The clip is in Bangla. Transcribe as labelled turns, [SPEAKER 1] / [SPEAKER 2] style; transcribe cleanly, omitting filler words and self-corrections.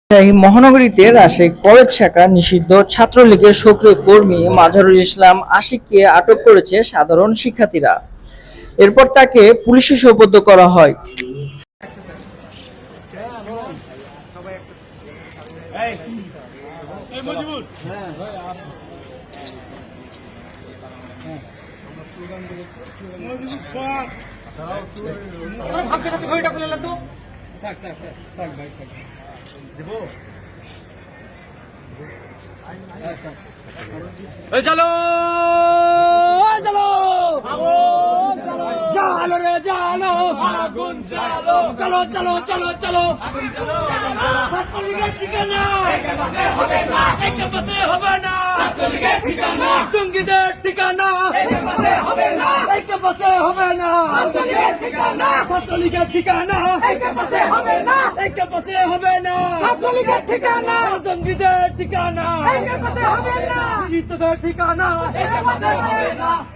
[SPEAKER 1] রাজশাহী মহানগরীতে রাজশাহী কলেজ শাখা নিষিদ্ধ ছাত্রলীগের সক্রিয় কর্মী মাজহারুল ইসলাম আশিককে আটক করেছে সাধারণ শিক্ষার্থীরা। এরপর তাকে পুলিশে সোপর্দ করা হয়।
[SPEAKER 2] চলো চলো জালো রে জালো আগুন জালো চলো চলো চলো চলো ছাত্রলীগের ঠিকানা একেবারে হবে না একেবারে হবে না ছাত্রলীগের ঠিকানা জঙ্গিদের ঠিকানা একেবারে হবে না একেবারে হবে না ছাত্রলীগের ঠিকানা ছাত্রলীগের ঠিকানা একেবারে হবে না একেবারে হবে না ছাত্রলীগের ঠিকানা জঙ্গিদের ঠিকানা একেবারে হবে না জিতদের ঠিকানা একেবারে হবে না।